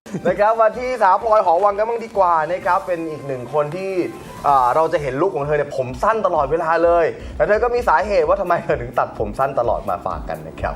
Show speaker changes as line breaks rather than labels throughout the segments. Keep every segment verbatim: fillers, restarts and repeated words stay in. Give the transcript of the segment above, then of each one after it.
นะครับมาที่สาวพลอยหอวังกันบ้างดีกว่านะครับเป็นอีกหนึ่งคนที่เราจะเห็นลุคของเธอเนี่ยผมสั้นตลอดเวลาเลยแต่เธอก็มีสาเหตุว่าทำไมเธอถึงตัดผมสั้นตลอดมาฝากกันนะครับ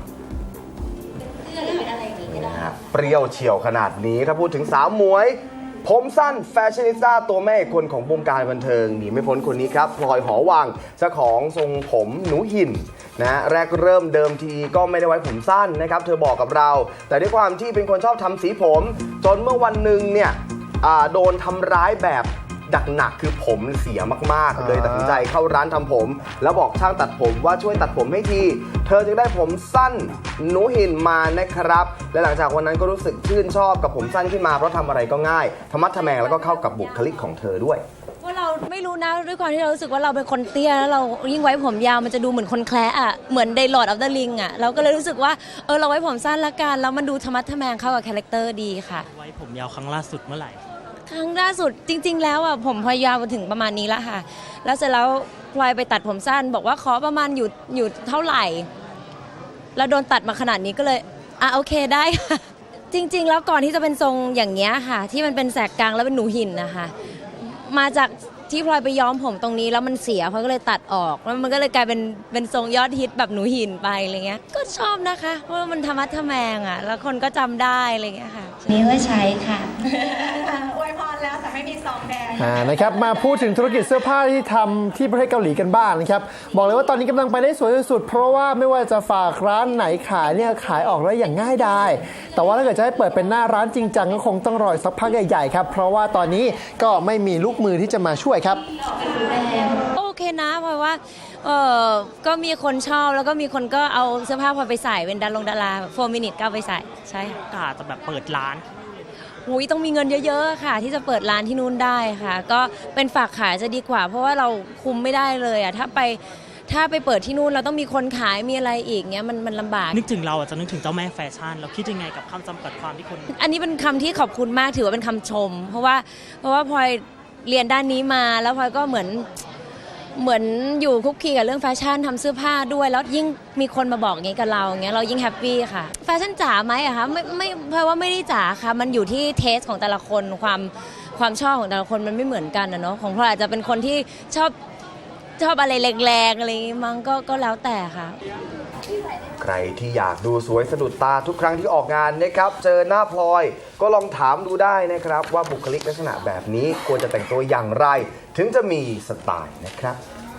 เปรี้ยวเฉียวขนาดนี้ถ้าพูดถึงสาวหมวยผมสั้นแฟชั่นนิสต้าตัวแม่คนของวงการบันเทิงหนีไม่พ้นคนนี้ครับพลอยหอวังเจ้าของทรงผมหนูหินนะแรกเริ่มเดิมทีก็ไม่ได้ไว้ผมสั้นนะครับเธอบอกกับเราแต่ด้วยความที่เป็นคนชอบทำสีผมจนเมื่อวันหนึ่งเนี่ยโดนทำร้ายแบบดักหนักคือผมเสียมากๆเลยตัดสินใจเข้าร้านทำผมแล้วบอกช่างตัดผมว่าช่วยตัดผมให้ทีเธอจึงได้ผมสั้นหนูหินมานะครับและหลังจากวันนั้นก็รู้สึกชื่นชอบกับผมสั้นขึ้นมาเพราะทำอะไรก็ง่ายธรรมะทแมงแล้วก็เข้ากับบุคลิกของเธอด้วย
ว่าเราไม่รู้นะด้วยความที่เรารู้สึกว่าเราเป็นคนเตี้ยแล้วเรายิ่งไว้ผมยาวมันจะดูเหมือนคนแคละอ่ะเหมือนในลอร์ดออฟเดอะริงอ่ะเราก็เลยรู้สึกว่าเออเราไว้ผมสั้นละกันแล้วมันดูธรรมะทแมงเข้ากับคาแรคเตอร์ดีค่ะ
ไว้ผมยาวครั้งล่าสุดเมื่อไหร่
ครั้งล่าสุดจริงๆแล้วอ่ะผมพยาวมาถึงประมาณนี้แล้วค่ะแล้วเสร็จแล้วพลอยไปตัดผมสั้นบอกว่าขอประมาณอยู่อยู่เท่าไหร่แล้วโดนตัดมาขนาดนี้ก็เลยอ่ะโอเคได้ค่ะจริงๆแล้วก่อนที่จะเป็นทรงอย่างเงี้ยค่ะที่มันเป็นแสกกลางแล้วเป็นหนูหินนะคะมาจากที่พลอยไปย้อมผมตรงนี้แล้วมันเสียพลอยก็เลยตัดออกแล้วมันก็เลยกลายเป็นเป็นทรงยอดฮิตแบบหนูหินไปอะไรเงี้ยก็ชอบนะคะเพราะว่ามันธรรมะทแมงอ่ะแล้วคนก็จำได้อะไรเงี้ยค่ะนี่ก็ใช้ค่ะ
อวยพรแล้วแต่ไม่มีซองแดง
นะครับมาพูดถึงธุรกิจเสื้อผ้าที่ทำที่ประเทศเกาหลีกันบ้างนะครับบอกเลยว่าตอนนี้กำลังไปได้สวยสุดเพราะว่าไม่ว่าจะฝากร้านไหนขายเนี่ยขายออกได้อย่างง่ายดายแต่ว่าถ้าเกิดจะให้เปิดเป็นหน้าร้านจริงจังก็คงต้องรอสักพักใหญ่ๆครับเพราะว่าตอนนี้ก็ไม่มีลูกมือที่จะมาช่วยครับ
โอเคนะเพราะว่าเออก็มีคนชอบแล้วก็มีคนก็เอาเสื้อผ้าพอไปใส่เป็นดารงดาราโฟร์มินิทก็เอาไปใส่ใช่
กาจะแบบเปิดร้าน
หุยต้องมีเงินเยอะๆค่ะที่จะเปิดร้านที่นู่นได้ค่ะก็เป็นฝากขายจะดีกว่าเพราะว่าเราคุมไม่ได้เลยอ่ะถ้าไปถ้าไปเปิดที่นู่นเราต้องมีคนขายมีอะไรอีกเงี้ยมันมันลำบาก
นึกถึงเราอาจจะนึกถึงเจ้าแม่แฟชั่นเราคิดยังไงกับคำจำกัดความที่คน
อันนี้เป็นคำที่ขอบคุณมากถือว่าเป็นคำชมเพราะว่าเพราะว่าพลอยเรียนด้านนี้มาแล้วพลอยก็เหมือนเหมือนอยู่คุกคีกับเรื่องแฟชั่นทำเสื้อผ้าด้วยแล้วยิ่งมีคนมาบอกอย่างนี้กับเราอย่างเงี้ยเรายิ่งแฮปปี้ค่ะแฟชั่นจ๋าไหมอะคะไม่ไม่เพราะว่าไม่ได้จ๋าค่ะมันอยู่ที่เทสของแต่ละคนความความชอบของแต่ละคนมันไม่เหมือนกันนะเนาะของพลอยอาจจะเป็นคนที่ชอบชอบอะไรแรงๆอะไรมั้งก็ก็แล้วแต่ค่ะ
ใครที่อยากดูสวยสะดุดตาทุกครั้งที่ออกงานนะครับเจอหน้าพลอยก็ลองถามดูได้นะครับว่าบุคลิกลักษณะแบบนี้ควรจะแต่งตัวอย่างไรถึงจะมีสไตล์นะครับ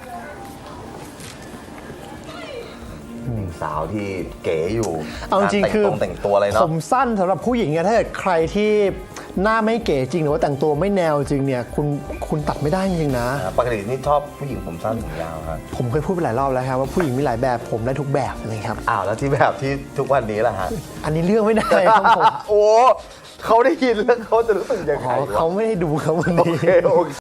สาวที่เก๋อยู่
เอาจริงคือ
แต่งตัวอะไรเนาะ
ผมสั้นสำหรับผู้หญิงเนี่ยถ้าเกิดใครที่หน้าไม่เก๋จริงหรือว่าแต่งตัวไม่แนวจริงเนี่ยคุณคุณตัดไม่ได้จริงนะ
ปกตินี่ชอบผู้หญิงผมสั้นผมยาวครับ
ผมเคยพูดไปหลายรอบแล้วครับว่าผู้หญิงมีหลายแบบผมได้ทุกแบบเลยครับ
อ้าวแล้วที่แบบที่ทุกวันนี้ล่ะฮะ
อันนี้เลือกไม่ได้ครับผม
โอ้เขาได้ยินแล้วเขาจะรู้สึกยังไง
เขาไม่ได้ดูครับวันนี้